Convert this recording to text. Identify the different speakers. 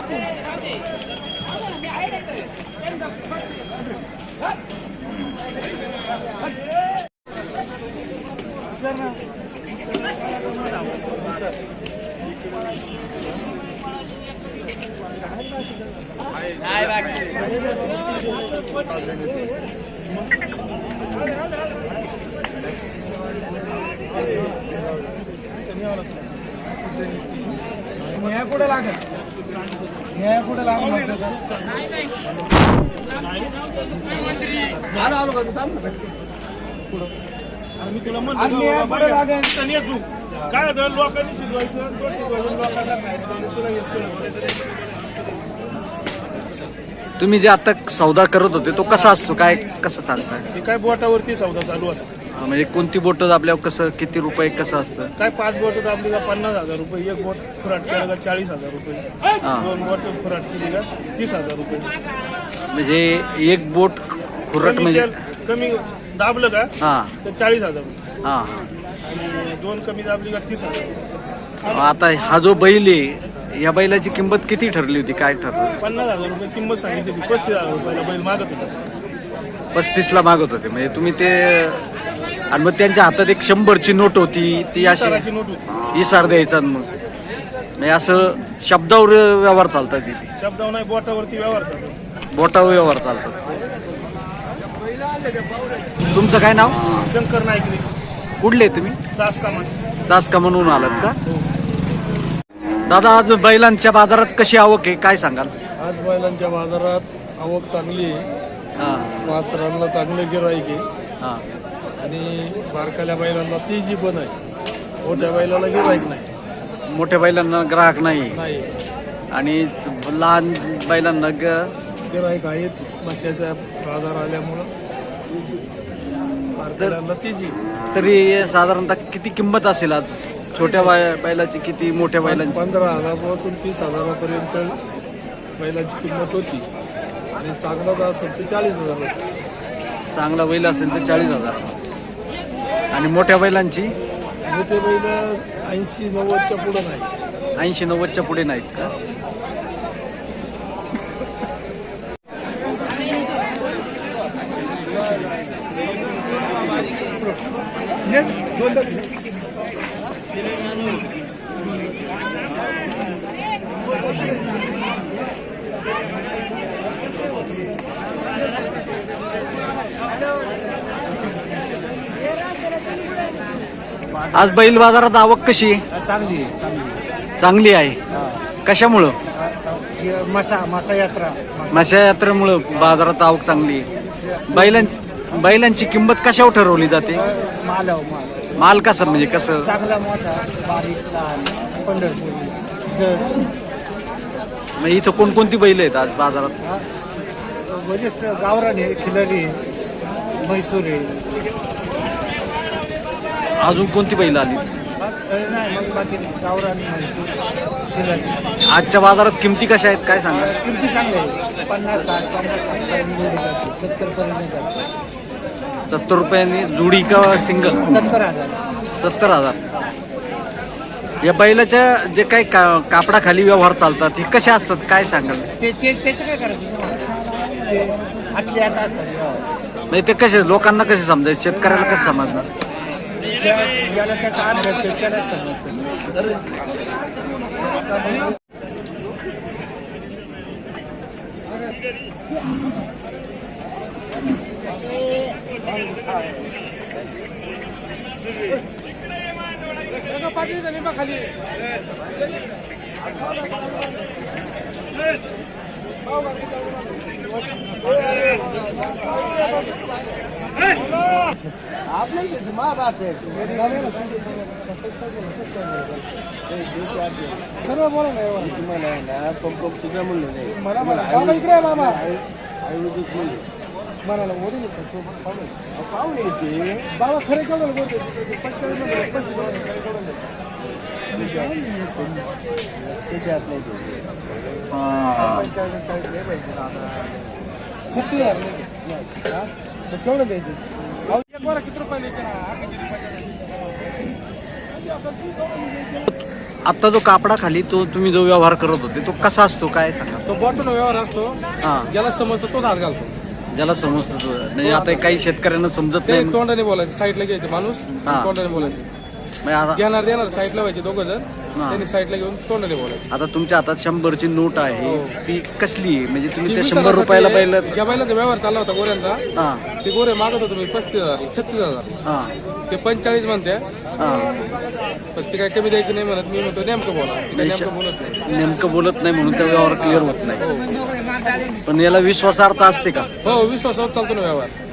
Speaker 1: कुठे लागेल कुठे लागेल
Speaker 2: मी तुला म्हणतो काय लोकांनी शिजवायचं लोकांना
Speaker 3: तुम्ही जे आता सौदा करत होते तो कसा असतो, काय कसं चालतं?
Speaker 2: काय बोटावरती सौदा चालू होता.
Speaker 3: म्हणजे कोणती बोट आपल्याला कसं, किती रुपये कसं असतं?
Speaker 2: काय 5 बोट आपली का 50,000 रुपये, एक बोट फुराट केलं का 40,000 रुपये, 2 बोट फुराट केली का 30,000 रुपये.
Speaker 3: म्हणजे एक बोट खुरट म्हणजे
Speaker 2: कमी दाबलं का तर 40,000 रुपये.
Speaker 3: हा
Speaker 2: आणि 2 कमी दाबली का 30,000.
Speaker 3: आता हा जो बैल आहे या बैलाची किंमत किती ठरली होती, काय ठरलं?
Speaker 2: 50,000 रुपये किंमत सांगितली होती. 35,000 रुपयाला बैल मागत होता.
Speaker 3: 35ला मागत होते. म्हणजे तुम्ही ते, आणि मग त्यांच्या हातात एक 100ची नोट होती, ती अशी
Speaker 2: नोट होती.
Speaker 3: इसार द्यायचा. मग म्हणजे असं शब्दावर व्यवहार चालतात तिथे?
Speaker 2: शब्दावर नाही, बोटावरती व्यवहार चालतो.
Speaker 3: बोटावर व्यवहार चालतात. तुमचं काय नाव?
Speaker 2: शंकर नाईक.
Speaker 3: कुठले तुम्ही? चासका म्हणून आलात का? दादा, आज बैलांच्या बाजारात कशी आवक आहे, काय सांगाल?
Speaker 4: आज बैलांच्या बाजारात आवक चांगली आहे. वासरांना चांगले गिराईक आहे आणि बारकाल्या बैलांना तेजी पण आहे. मोठ्या बैलाला गिराईक नाही.
Speaker 3: मोठ्या बैलांना ग्राहक नाही आणि लहान बैलांना
Speaker 4: गिराईक आहेत. मच्छ्याचा बाजार आल्यामुळं बारकाल्यांना तेजी.
Speaker 3: तरी साधारणतः किती किंमत असेल आज छोट्या बैलाची, किती मोठ्या बैलांची?
Speaker 4: 15,000 पासून 30,000पर्यंत बैलाची किंमत होती आणि चांगला जर असेल तर 40,000.
Speaker 3: चांगला बैल असेल तर 40,000. आणि मोठ्या बैलांची?
Speaker 4: मोठे बैल 80-90च्या पुढे नाही.
Speaker 3: 80-90च्या पुढे नाहीत का? आज बैल बाजारात आवक कशी आहे? चांगली आहे. कशामुळं? मासा यात्रेमुळं बाजारात आवक चांगली आहे. बैलांची किंमत कशावर ठरवली जाते? माल कसा, म्हणजे कसं? मग इथं कोणकोणती बैल आहेत आज बाजारात?
Speaker 1: गावरान आहे, खिलारी आहे, म्हैसूर आहे.
Speaker 3: अजून कोणती बैल आली?
Speaker 1: गावरान, म्हैसूर, खिलारी.
Speaker 3: आजच्या बाजारात किमती कशा आहेत, काय सांगा?
Speaker 1: किमती चांगल्या आहे. 50-60 70
Speaker 3: 70 रुपयांनी जोडी का सिंगल?
Speaker 1: 70,000.
Speaker 3: 70,000. या बैलाच्या जे काही कापडाखाली व्यवहार चालतात हे कसे असतात, काय सांगाल?
Speaker 1: त्याचं काय करायचं? ते आतले आता असतात.
Speaker 3: म्हणजे ते कसे, लोकांना कसे समजायचे, शेतकऱ्याला कसं समजणार?
Speaker 1: ज्याला त्याचा अभ्यास त्याला समजतं. खाली सर्व बोला ना. पंप सुद्धा म्हणलं नाही मला. इकडे मामा म्हणाला पाहुणे येते बाबा. खरे केवढं बोलते केवढं द्यायचे? किती रुपये
Speaker 3: आता जो कापडाखाली तो तुम्ही जो व्यवहार करत होते तो कसा असतो काय सांगा?
Speaker 4: तो बॉटन व्यवहार असतो,
Speaker 3: हा,
Speaker 4: ज्याला समजतो तोच हात घालतो.
Speaker 3: ज्याला समजतं तो. नाही आता काही शेतकऱ्यांना समजत
Speaker 4: ते
Speaker 3: नाही.
Speaker 4: तोंडाने बोलायचं, साईडला घ्यायचे माणूस,
Speaker 3: हा.
Speaker 4: तोंडाने बोलायचं.
Speaker 3: म्हणजे आता
Speaker 4: देणार साईडला व्हायचे दोघं जण, त्यांनी साईडला घेऊन तोंडाने बोलायचं.
Speaker 3: आता तुमच्या हातात 100ची नोट आहे,
Speaker 4: हो.
Speaker 3: ती कसली आहे? म्हणजे तुम्ही त्या
Speaker 4: ती
Speaker 3: 100 रुपयाला बैल.
Speaker 4: ज्या बैलाचा व्यवहार चालला होता गोऱ्यांचा,
Speaker 3: हा
Speaker 4: ते गोरे मागत होतो मी 35,000 36,000,
Speaker 3: हा
Speaker 4: ते 45 म्हणते,
Speaker 3: हा.
Speaker 4: पण ते काय कमी द्यायची नाही म्हणत. मी म्हणतो नेमकं बोला, ते काय नेमकं बोलत नाही.
Speaker 3: नेमकं बोलत नाही म्हणून त्या व्यवहार क्लिअर होत नाही. पण याला विश्वासार्थ असते का?
Speaker 4: हो, विश्वासावर चालतो ना व्यवहार.